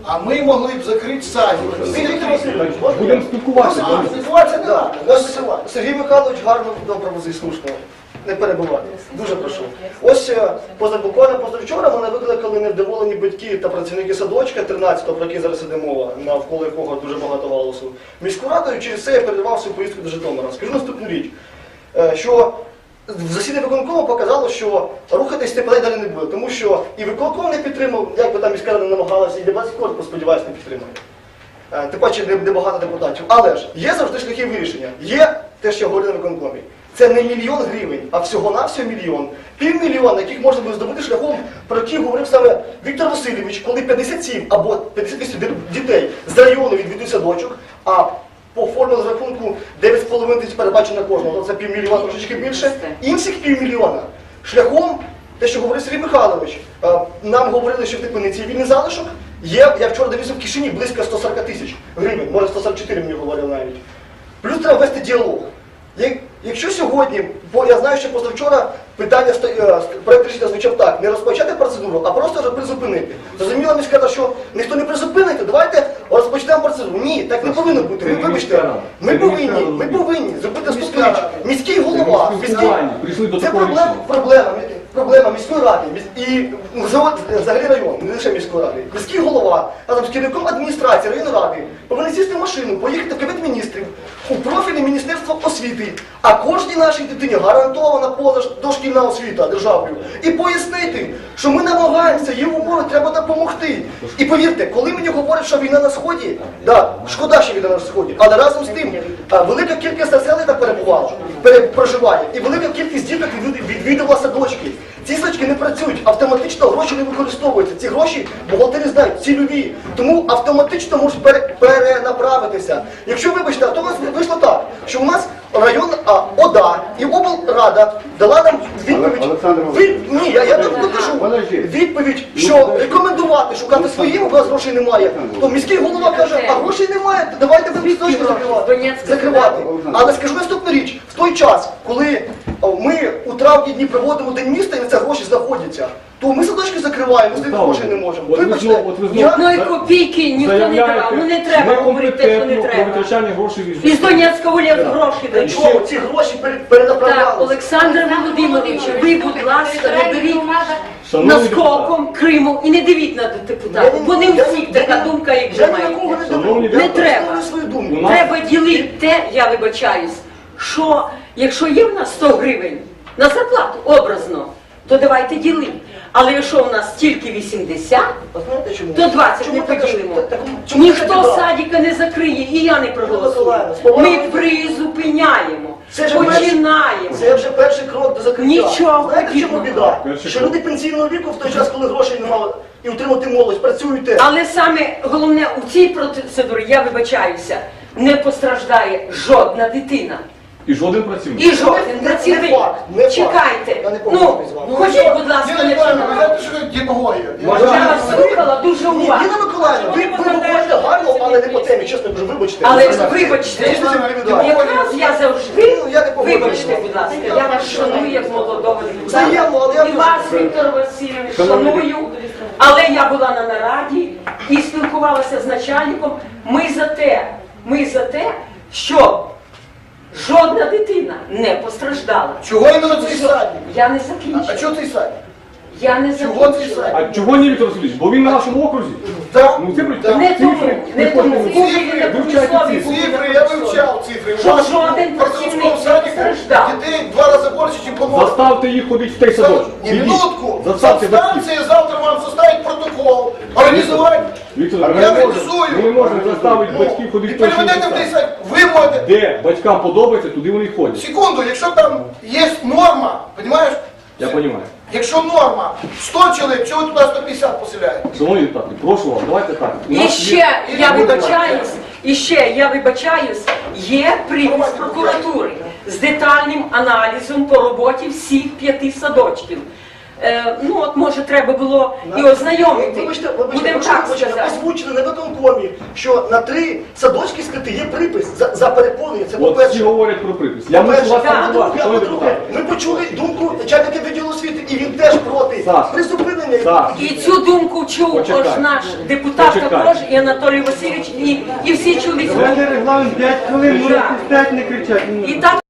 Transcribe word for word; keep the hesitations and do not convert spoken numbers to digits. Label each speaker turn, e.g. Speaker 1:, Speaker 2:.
Speaker 1: А ми могли б закрити садик.
Speaker 2: Будемо спілкуватися.
Speaker 3: Спілкуватися, так. Ось Сергій Михайлович гарно добре слушно. Не перебувати. Дуже прошу. Ось поза буквально позавчора мене викликали невдоволені батьки та працівники садочка тринадцятого, про який зараз іде мова, навколо якого дуже багато галасу. Міську радою через це я передавав свою поїздку до Житомира. Скажу наступну річ, що в засіданні виконкому показало, що рухатись тепер далі не буде, тому що і виконком не підтримав, як би там міська рада намагалася, і депутатський корпус, сподіваюся, не підтримає. Тим паче небагато депутатів. Але ж є завжди шляхи вирішення. Є те, що я говорив на виконкомі. Це не мільйон гривень, а всього-навсього мільйон. Півмільйона, яких можна буде здобути шляхом, про який говорив саме Віктор Васильович, коли п'ятдесят сім або п'ятдесят вісім дітей з району відвідують садочок, а по формулі з рахунку дев'ять з половиною тисяч передбачено на кожного, це півмільйона, трошечки більше. Інших півмільйона шляхом, те, що говорив Сергій Михайлович, нам говорили, що типу не цивільний залишок, є, я вчора дивився в кишені, близько сто сорок тисяч гривень, може сто сорок чотири мені говорили навіть. Плюс треба вести діалог. Якщо сьогодні, бо я знаю, що позавчора питання, проєкт рішення звучав так, не розпочати процедуру, а просто вже призупинити. Зрозуміла міська рада, що ніхто не призупинить, давайте розпочнемо процедуру. Ні, так не повинно бути. Ви вибачте, ми повинні, ми повинні зробити наступну річ. Міський голова, міський... Це проблема, проблема, проблема міської ради і взагалі району, не лише міської ради. Міський голова разом з керівником адміністрації районної ради повинні сісти в машину, поїхати в Кабінет міністрів, у профільне Міністерство освіти, а кожній нашій дитині гарантована позадошкільна освіта державою. І пояснити, що ми намагаємося, їм умови треба допомогти. І повірте, коли мені говорять, що війна на Сході, да, шкода, що війна на Сході, але разом з тим, велика кількість населення там перебувала, проживає, і велика кількість діток відвідувала садочки. Ці садочки не працюють, автоматично гроші не використовуються. Ці гроші бухгалтери знають, цільові. Тому автоматично можуть перенаправитися. Якщо, вибачте, а то у нас вийшло так, що у нас район а, ОДА і облрада дала нам відповідь. Ви, ні, я, я так покажу. Відповідь, що рекомендувати шукати своїм, у вас грошей немає. То міський голова каже, а грошей немає, давайте будемо точно закривати. закривати. Але скажу наступну річ, в той час, коли ми у травні дні проводимо День міста і на це гроші знаходяться, то ми садочки закриваємо, ми з тих грошей не можемо. Вибачте,
Speaker 4: одної копійки ніхто не давав, ну не треба говорити те, що не треба. Із Донецького лісу гроші дають.
Speaker 3: Чого ці гроші перенаправляли?
Speaker 4: Так, Олександр Володимирович, ви, будь ласка, не беріть наскоком Криму і не дивіть на депутатів, бо не у всіх така думка, як ви маєте. Не треба. Треба ділити те, я вибачаюсь, що якщо є в нас сто гривень на зарплату, образно, то давайте ділити. Але якщо у нас тільки вісімдесят, то двадцять не поділимо. Ніхто садика не закриє, і я не проголосую. Ми призупиняємо, починаємо.
Speaker 3: Це вже перший крок до закриття.
Speaker 4: Нічого.
Speaker 3: Знаєте, чому біда? Що люди пенсійного віку в той час, коли грошей немає, і утримати молодь, працюєте.
Speaker 4: Але саме головне, у цій процедурі, я вибачаюся, не постраждає жодна дитина.
Speaker 2: І жоден працівник.
Speaker 4: І жоден працівник. Чекайте. Ну, ходіть, будь ласка, не
Speaker 1: знаєте, що демагогія?
Speaker 4: Я вас слухала дуже уважно.
Speaker 3: Ніна Миколаївна, ви говорите гарно, але не по темі, чесно кажу, вибачте.
Speaker 4: Але вибачте, якраз я завжди, вибачте, будь ласка, я вас шаную як молодого депутата. І вас, Віктор Васильович, шаную. Але я була на нараді і спілкувалася з начальником. Ми за те, ми за те, що жодна дитина не постраждала.
Speaker 3: Чого іменно цей садик?
Speaker 4: Я не закінчила.
Speaker 3: А чого цей садик?
Speaker 4: Я не
Speaker 3: Чого цей
Speaker 4: закінчила.
Speaker 3: садик?
Speaker 2: А чого ні, Віктор Васильович? Бо він на вашому окрузі.
Speaker 3: Так.
Speaker 2: Ну, цифри,
Speaker 4: Не тому, не тому.
Speaker 2: Цифри, вивчайте цифри.
Speaker 1: Цифри, я вивчав цифри.
Speaker 4: Що жоден працівник не постраждав.
Speaker 1: Дітей два рази більше, ніж помогли.
Speaker 2: Заставте їх ходити в той садочок.
Speaker 1: Ні, минутку.
Speaker 2: Заставте батьків.
Speaker 1: Станція завтра вам составить протокол. Організувати.
Speaker 2: Віктор,
Speaker 1: Я
Speaker 2: ми не можемо-
Speaker 1: організую.
Speaker 2: ми не можемо заставити батьків
Speaker 1: І
Speaker 2: ходити в той
Speaker 1: переведете в той
Speaker 2: садочок.
Speaker 1: сайт. Ви можете.
Speaker 2: Де батькам подобається, туди вони й ходять.
Speaker 1: Секунду, якщо там є норма, розумієш?
Speaker 2: Я розумію.
Speaker 1: Якщо норма сто чоловік, чого ви туди сто п'ятдесят поселяєте?
Speaker 2: Шановні депутати, прошу вас, давайте так. У
Speaker 4: І
Speaker 2: нас
Speaker 4: ще,
Speaker 2: є-
Speaker 4: я вибачаюсь, і ще, я вибачаюсь, є припис прокуратури з детальним аналізом по роботі всіх п'яти садочків. е, ну от може треба було і ознайомити.
Speaker 3: Вибачте, вибачте,
Speaker 4: Будемо
Speaker 3: вибачте,
Speaker 4: так
Speaker 3: вибачте,
Speaker 4: сказати.
Speaker 3: озвучили на виконкомі, що на три садочки скрити є припис за, за переповнення. Це
Speaker 2: От всі
Speaker 3: по-перше.
Speaker 2: говорять про припис. Я
Speaker 3: По-перше,
Speaker 2: мушу вас
Speaker 3: а
Speaker 2: побувати,
Speaker 3: по-друге, а
Speaker 2: шановні
Speaker 3: по-друге,
Speaker 2: депутати.
Speaker 3: ми почули думку начальника відділу освіти, і він теж проти
Speaker 2: Саш,
Speaker 3: призупинення.
Speaker 2: Саш.
Speaker 4: І цю думку чув
Speaker 2: Почекай.
Speaker 4: ось наш депутат
Speaker 2: Почекай.
Speaker 4: також, і Анатолій Васильович, і, і всі чули.
Speaker 5: У мене регламент п'ять хвилин,
Speaker 4: Да.
Speaker 5: можете п'ять не кричати.
Speaker 4: І так